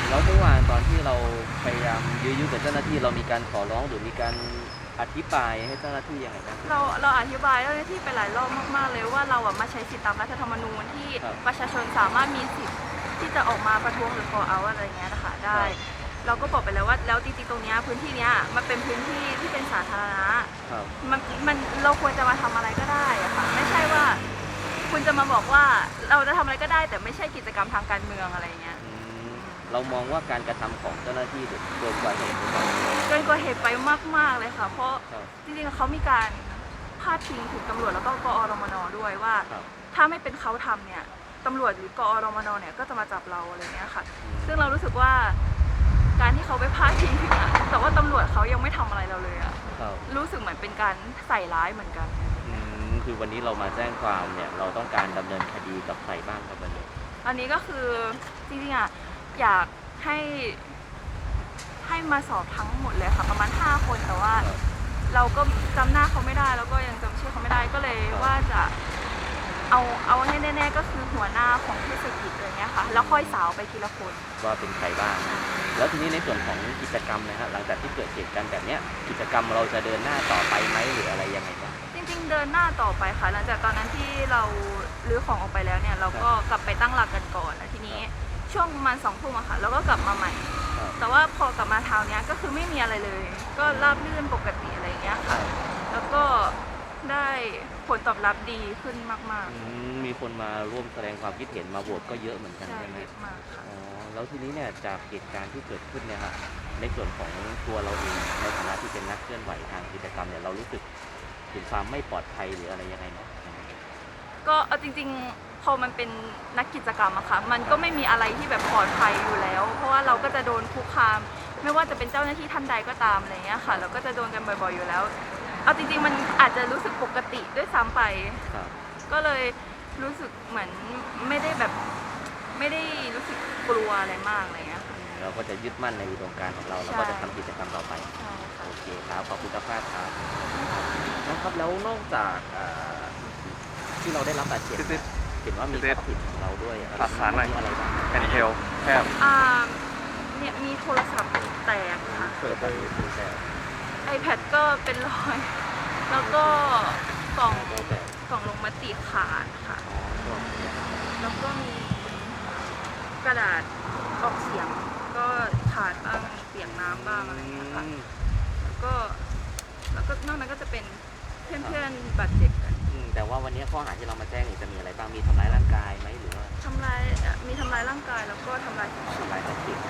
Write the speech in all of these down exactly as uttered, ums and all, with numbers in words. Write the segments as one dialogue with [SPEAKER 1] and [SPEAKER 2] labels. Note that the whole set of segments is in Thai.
[SPEAKER 1] แล้วเมื่อวานตอนที่เราพยายามยื้อยุดกับเจ้าหน้าที่เรามีการขอร้องหรือมีการอธิบายให้เจ้าหน้าที่ยังไงบ้าง
[SPEAKER 2] เราเราอธิบายเจ้าหน้าที่ไปหลายรอบมากๆเลยว่าเราอะมาใช้สิทธิตามรัฐธรรมนูญที่ประชาชนสามารถมีสิทธิ์ที่จะออกมาประท้วงหรือ call out อะไรเงี้ยนะคะได้เราก็บอกไปแล้วว่าแล้วจริงๆตรงเนี้ยพื้นที่เนี้ยมันเป็นพื้นที่ที่เป็นสาธารณะมันมันเราควรจะมาทำอะไรก็ได้อะค่ะไม่ใช่ว่าคุณจะมาบอกว่าเราจะทำอะไรก็ได้แต่ไม่ใช่กิจกรรมทางการเมืองอะไรเงี้ย
[SPEAKER 1] เรามองว่าการกระทำของเจ้าหน้าที่เกินกว่าเหตุ
[SPEAKER 2] เกินกว่าเหตุไปมากๆเลยค่ะเพราะจริงๆเขามีการพาดพิงถึงตำรวจแล้วก็กอรมนด้วยว่าถ้าไม่เป็นเขาทำเนี่ยตำรวจหรือกอรมนเนี่ยก็จะมาจับเราอะไรเงี้ยค่ะซึ่งเรารู้สึกว่าการที่เขาไปพาดพิงถึงอะแต่ว่าตำรวจเขายังไม่ทำอะไรเราเลยอะรู้สึกเหมือนเป็นการใส่ร้ายเหมือนกัน
[SPEAKER 1] คือวันนี้เรามาแจ้งความเนี่ยเราต้องการดำเนินคดีกับใครบ้างครับวันนี้
[SPEAKER 2] อันนี้ก็คือจริงๆอะอยากให้ให้มาสอบทั้งหมดเลยค่ะประมาณห้าคนแต่ว่าเราก็จำหน้าเขาไม่ได้แล้วก็ยังจำชื่อเขาไม่ได้ก็เลยว่าจะเอาเอาให้แน่ๆก็คือหัวหน้าของเทศกิจอะไรเงี้ยค่ะแล้วค่อยสาวไปทีละคน
[SPEAKER 1] ว่าเป็นใครบ้างแล้วทีนี้ในส่วนของกิจกรรมนะฮะหลังจากที่เกิดเหตุการณ์แบบนี้กิจกรรมเราจะเดินหน้าต่อไปไหมหรืออะไรยังไงบ้าง
[SPEAKER 2] จริงๆเดินหน้าต่อไปค่ะหลังจากตอนนั้นที่เราลื้อของออกไปแล้วเนี่ยเราก็กลับไปตั้งหลักกันก่อนแล้วทีนี้ช่วงประมาณสองทุ่มอะค่ะเราก็กลับมาใหม่แต่ว่าพอกลับมาเช้านี้ก็คือไม่มีอะไรเลย ก็ราบรื่นปกติอะไรเงี้ยค่ะแล้วก็ได้ผลตอบรับดีขึ้นมาก
[SPEAKER 1] ๆมีคนมาร่วมแสดงความคิดเห็นมาโหวตก็เยอะเหมือนกันใช่ไหม
[SPEAKER 2] มากค่ะ
[SPEAKER 1] อ๋อแล้วทีนี้เนี่ยจากเหตุการณ์ที่เกิดขึ้นเนี่ยค่ะในส่วนของตัวเราเองในฐานะที่เป็นนักเคลื่อนไหวทางกิจกรรมเนี่ยเรารู้สึกถึงความไม่ปลอดภัยหรืออะไรยังไงไหม
[SPEAKER 2] ก็เอาจริงๆพอมันเป็นนักกิจกรรมอะค่ะมันก็ไม่มีอะไรที่แบบปลอดภัยอยู่แล้วเพราะว่าเราก็จะโดนคุกคามไม่ว่าจะเป็นเจ้าหน้าที่ท่านใดก็ตามอะไรเงี้ยค่ะเราก็จะโดนกันบ่อยๆอยู่แล้วเอาจริงๆมันอาจจะรู้สึกปกติด้วยซ้ำไปก็เลยรู้สึกเหมือนไม่ได้แบบไม่ได้รู้สึกกลัวอะไรมากอะไรเงี้ย
[SPEAKER 1] เราก็จะยึดมั่นในอุดมการณ์ของเราแล้วก็จะทำกิจกรรมต่อไปโอเคครับขอบคุณครับครับนะครับแล้วนอกจากที่เราได้รับบาดเจ็บเห็นว่ามีทรัพย์สินของเราด้วย
[SPEAKER 3] หลักฐานอะไร
[SPEAKER 1] บ้าง
[SPEAKER 3] แผ่นเทลแคบ
[SPEAKER 2] อ่าเนี่ยมีโทรศัพท์แตกค่ะ
[SPEAKER 1] เปิดไปแตก
[SPEAKER 2] ไอแพดก็เป็นรอยแล้วก็กล่องกล่องลงมติขาดค่ะแล้วก็มีกระดาษออกเสียงก็ขาดบ้างเปียกน้ำบ้างอะไรอย่างเงี้ยค่ะแล้วก็แล้วก็นอกนั้นก็จะเป็นเพื่อนๆบาดเจ็บกัน
[SPEAKER 1] แต่ว่าวันนี้ข้อหาที่เรามาแจ้งจะมีอะไรบ้างมีทำร้ายร่างกายไหมหรือว่า
[SPEAKER 2] ทำร้ายมีทำร้ายร่างกายแล้วก็ทำร้ายท
[SPEAKER 1] ำร้ายทรัพย์สิน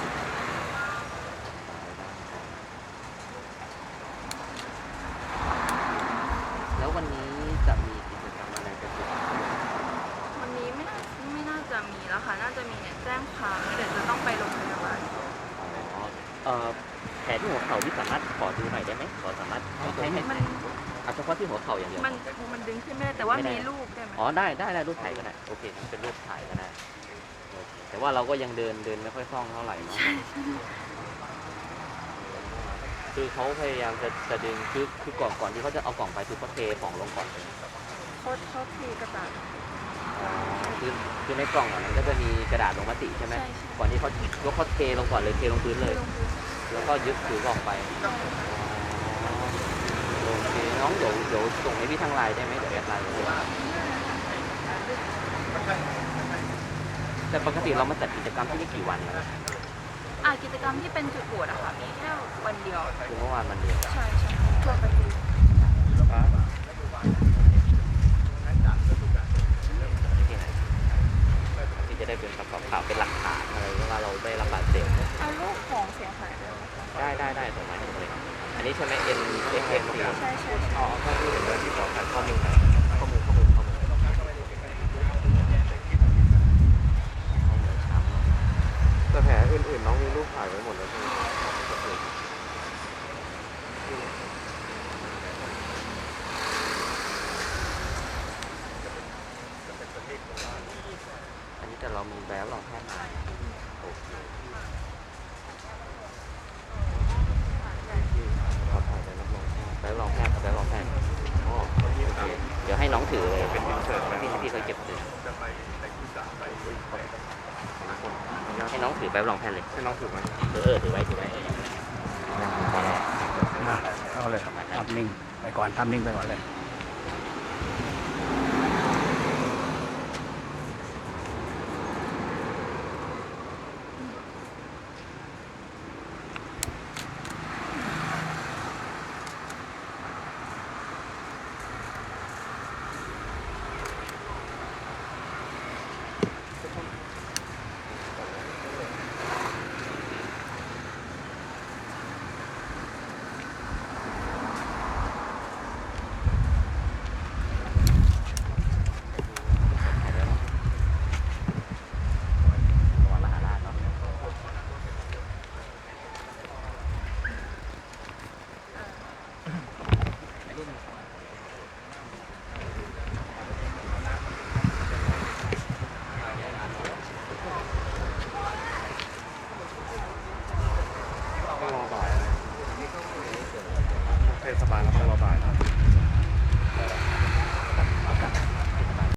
[SPEAKER 1] แล้ววันนี้จะมีกิจกรรมอะไรกัน
[SPEAKER 2] วันนี้ไม่น่าไม่น่าจะมีแล้วค่ะน่าจะมีเนี่ยแจ้งความเดี๋ยวจะต้องไปโรงพยาบาล
[SPEAKER 1] อ๋อแผลที่หัวเข่าที่สามารถขอดูหน่อยได้ไหมขอสามารถให้ให้
[SPEAKER 2] มัน
[SPEAKER 1] เอาเฉพาะที่หัวเข่าอย่างเดียว
[SPEAKER 2] มันมันดึงขึ้นไม่ได้แต่ว่ามีรูปได้ไหม
[SPEAKER 1] อ๋อได้ได้ได้รูปถ่ายก็ได้โอเคเป็นรูปถ่ายก็ได้แต่ว่าเราก็ยังเดินเดินไม่ค่อยคล่องเท่าไหร่เนาะคือเขาพยายามจะจะดึงคือคือก่อนก่อนที่เขาจะเอากล่องไปคือเขาเทของลงก่อนเลย
[SPEAKER 2] เขาเขาเทกระดาษ
[SPEAKER 1] คือคือในกล่องอ่ะมันก็จะมีกระดาษลงมติใช่ไหมก่อนที่เขายกเขาเทลงก่อนเลยเทลงพื้นเลยแล้วก็ยึดถือกล่องไปโอเคน้องเดี๋ยวเดี๋ยวส่งให้พี่ทางไลน์ได้ไหมเดี๋ยวแอดไลน์แต่ปกติเรามาจัดกิจกรรมที่นี่กี่วันนะ
[SPEAKER 2] อ่ากิจกรรมที่เป็นจุดโหวตอะค่ะมีแค่วันเดียว
[SPEAKER 1] คือเมื่อวานวันเดียว
[SPEAKER 2] ใช่ใช่ทั่วประเทศ
[SPEAKER 1] ที่จะได้เป็นประกอบข่าวเป็นหลักฐานอะไรว่าเราได้รับบาดเจ็บ
[SPEAKER 2] เอารูปของเสียหาย
[SPEAKER 1] ได้ได้ได้ส่งมาให้ผมเลยอันนี้ใช่ไหม N X X
[SPEAKER 2] ใช่ใช่ใช่
[SPEAKER 1] อ๋อข้อมูลเรื่องที่ขอการข้อมูลข้อมูลข้อมูลข้อมูล
[SPEAKER 3] แต่แผลอื่นๆน้องมีรูปถ่ายไว้หมดแล้วใช่ไหม
[SPEAKER 1] อันนี้แต่เรามีแบบรองแพทย์มาโอเค
[SPEAKER 3] เขาถ่ายไปรับรอง
[SPEAKER 1] แบบรองแพทย์แบบรองแพทย์อ๋อโอเคเดี๋ยวให้น้องถือเลยเป็นอินเสิร์ตที่ที่เคยเก็บถือให้น้องถือไปไปรับรองแพทย์เลย
[SPEAKER 3] ให้น้องถือไหม
[SPEAKER 1] เออเออถือไว้ถือไว้เออ
[SPEAKER 4] มาเอาเลยทำนิ่งไปก่อนทำนิ่งไปก่อนเลย